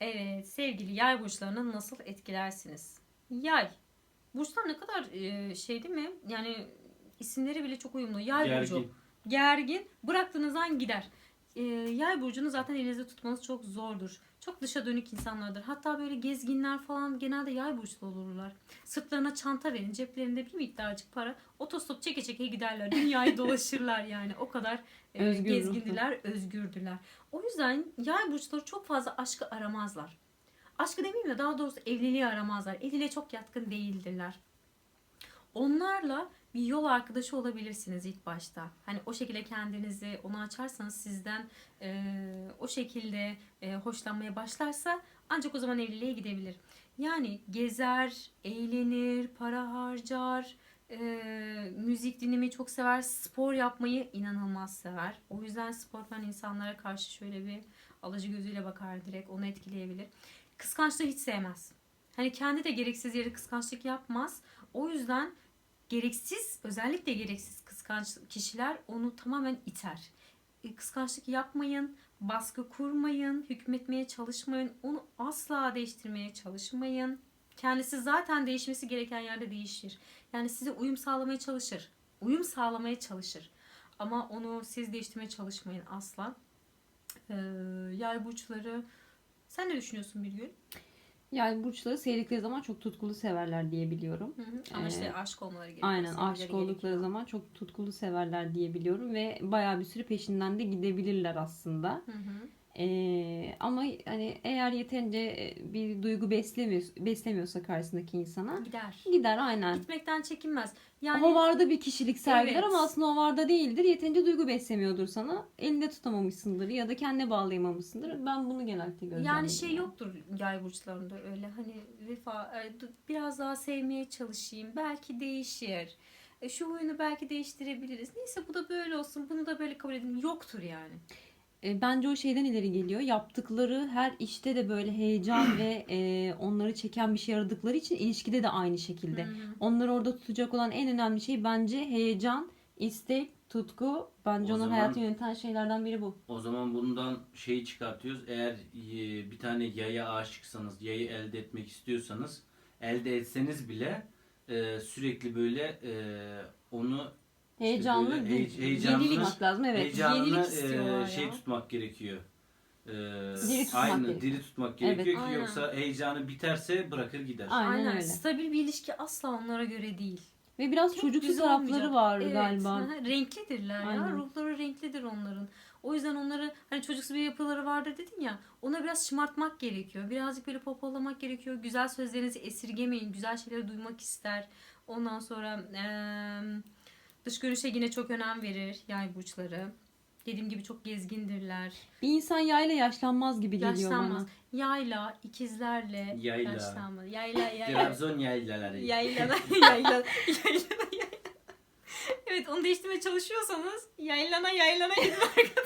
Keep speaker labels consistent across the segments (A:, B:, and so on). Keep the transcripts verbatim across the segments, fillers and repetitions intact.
A: Evet, sevgili yay burçlarını nasıl etkilersiniz? Yay. Burçlar ne kadar e, şey değil mi? Yani isimleri bile çok uyumlu. Yay burcu.
B: Gergin.
A: Gergin. Bıraktığınız an gider. E, yay burcunu zaten elinizde tutmanız çok zordur. Çok dışa dönük insanlardır. Hatta böyle gezginler falan genelde yay burçlu olurlar. Sırtlarına çanta verin, ceplerinde bir miktarcık para. Otostop çeke çeke giderler. Dünyayı dolaşırlar yani. O kadar e,
C: Özgür
A: gezgindiler, özgürdüler. O yüzden yay burçları çok fazla aşkı aramazlar. Aşkı demeyeyim de daha doğrusu evliliği aramazlar. Evliliğe çok yatkın değildirler. Onlarla bir yol arkadaşı olabilirsiniz ilk başta. Hani o şekilde kendinizi ona açarsanız sizden e, o şekilde e, hoşlanmaya başlarsa ancak o zaman evliliğe gidebilir. Yani gezer, eğlenir, para harcar, e, müzik dinlemeyi çok sever, spor yapmayı inanılmaz sever. O yüzden sportmen insanlara karşı şöyle bir alıcı gözüyle bakar, direkt onu etkileyebilir. Kıskançlığı hiç sevmez. Hani kendi de gereksiz yere kıskançlık yapmaz. O yüzden gereksiz, özellikle gereksiz kıskanç kişiler onu tamamen iter. E, Kıskançlık yapmayın, baskı kurmayın, hükmetmeye çalışmayın, onu asla değiştirmeye çalışmayın. Kendisi zaten değişmesi gereken yerde değişir. Yani size uyum sağlamaya çalışır. Uyum sağlamaya çalışır. Ama onu siz değiştirmeye çalışmayın asla. Ee, yay burçları. Sen ne düşünüyorsun Birgül?
C: Yani burçları sevdikleri zaman çok tutkulu severler diye biliyorum.
A: Hı hı. Ama
C: Ee,
A: işte aşk olmaları gerekiyor.
C: Aynen,
A: sevmeleri
C: aşık oldukları
A: gerekiyor.
C: zaman çok tutkulu severler diye biliyorum ve bayağı bir süre peşinden de gidebilirler aslında.
A: Hı hı.
C: Ee, ama hani eğer yeterince bir duygu beslemiyor, beslemiyorsa karşısındaki insana
A: Gider.
C: gider aynen.
A: Gitmekten çekinmez. Yani
C: Hovarda bir kişilik sergiler
A: Evet.
C: ama aslında hovarda değildir. Yeterince duygu beslemiyordur sana. Elinde tutamamışsındır ya da kendine bağlayamamışsındır. Ben bunu genellikle gözlemledim.
A: yani şey yoktur yay burçlarında öyle hani vefa e, du- biraz daha sevmeye çalışayım. Belki değişir. E, şu huyunu belki değiştirebiliriz. Neyse bu da böyle olsun. Bunu da böyle kabul edin. Yoktur yani.
C: E, Bence o şeyden ileri geliyor. Yaptıkları her işte de böyle heyecan ve e, onları çeken bir şey aradıkları için ilişkide de aynı şekilde.
A: Hı hı.
C: Onları orada tutacak olan en önemli şey bence heyecan, istek, tutku. Bence
B: O
C: onun
B: zaman-
C: hayatını yöneten şeylerden biri bu.
B: O zaman bundan şeyi çıkartıyoruz. Eğer e, bir tane yaya aşıksanız, yayı elde etmek istiyorsanız, elde etseniz bile e, sürekli böyle e, onu
C: Heyecanlı,
B: böyle
C: bir-
B: hey- heyecanlı-
C: yenilik lazım. Evet.
B: heyecanını
A: yenilik
B: e,
A: istiyorlar
B: şey
A: ya.
B: tutmak gerekiyor. E,
C: Diri tutmak
B: aynı
C: gerekiyor.
B: diri tutmak
C: Evet.
B: gerekiyor ki
A: Aynen.
B: yoksa heyecanı biterse bırakır gider.
C: Aynen
A: Aynen.
C: öyle.
A: Stabil bir ilişki asla onlara göre değil.
C: Ve biraz
A: Çok
C: çocuksu
A: güzel
C: tarafları
A: olmayacak.
C: var
A: Evet,
C: galiba.
A: hı hı, renklidirler ya.
C: Aynen.
A: Ruhları renklidir onların. O yüzden onları hani çocuksu bir yapıları vardır dedin ya. Ona biraz şımartmak gerekiyor. Birazcık böyle popolamak gerekiyor. Güzel sözlerinizi esirgemeyin. Güzel şeyleri duymak ister. Ondan sonra eee, dış görünüşe yine çok önem verir yay burçları. Dediğim gibi çok gezgindirler.
C: Bir insan yayla yaşlanmaz gibi geliyor
A: Yaşlanmaz.
C: bana.
A: Yayla, ikizlerle
B: Yayla.
A: yaşlanmaz. Yayla, yayla.
B: Trabzon yaylaları.
A: Yaylana, yaylana, yaylana, yaylana. Evet, onu değiştirmeye çalışıyorsanız yaylana yaylana gidin.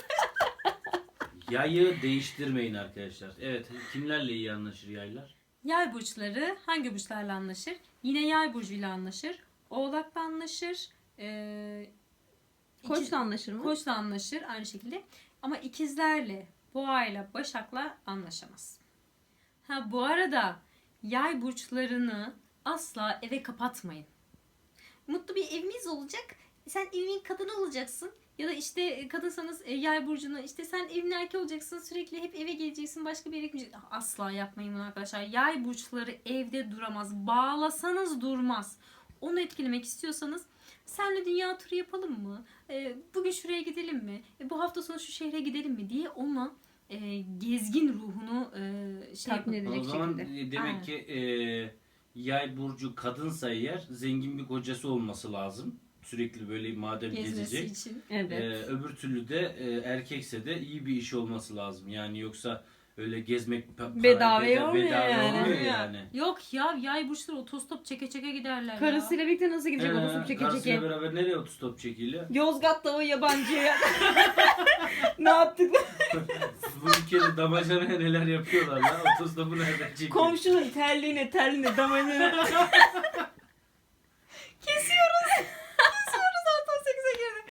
B: Yayı değiştirmeyin arkadaşlar. Evet, kimlerle iyi anlaşır yaylar?
A: Yay burçları hangi burçlarla anlaşır? Yine yay burcuyla anlaşır. Oğlakla anlaşır. Ee, ikiz-
C: Koçla anlaşır mı?
A: Koçla anlaşır aynı şekilde. Ama ikizlerle, boğayla, başakla anlaşamaz. Ha bu arada yay burçlarını asla eve kapatmayın. Mutlu bir evimiz olacak. Sen evin kadını olacaksın. Ya da işte kadınsanız e, yay burcunu işte sen evin erkeği olacaksın. Sürekli hep eve geleceksin. Başka bir yere gitmeyeceksin. Asla yapmayın bunu arkadaşlar. Yay burçları evde duramaz. Bağlasanız durmaz. Onu etkilemek istiyorsanız senle dünya turu yapalım mı? E, bugün şuraya gidelim mi? E, bu hafta sonu şu şehre gidelim mi diye onunla e, gezgin ruhunu e, şey
C: Tatmin
A: yapın.
C: edecek
B: O zaman
C: şekilde.
B: e, demek
A: Aynen.
B: ki e, yay burcu kadınsa eğer zengin bir kocası olması lazım. Sürekli böyle madem
A: Gezmesi
B: gezecek.
A: için.
C: Evet.
B: E, öbür türlü de e, erkekse de iyi bir iş olması lazım. Yani yoksa öyle gezmek pa- para-
C: Bedavaya
B: beda-
C: olmuyor
B: bedava
C: yani.
B: olmuyor yani.
A: Yok ya yay burçları otostop çeke çeke giderler ya.
C: Karısıyla birlikte nasıl gidecek
B: Ee,
C: otostop çeke
B: karısıyla
C: çeke?
B: beraber nereye otostop çekiyle?
C: Yozgat'ta o yabancıya. Ne yaptık?
B: Bu ülkede damacanaya neler yapıyorlar lan? Otostopu nereden çekiyor?
C: Komşunun terliğine terliğine damacana.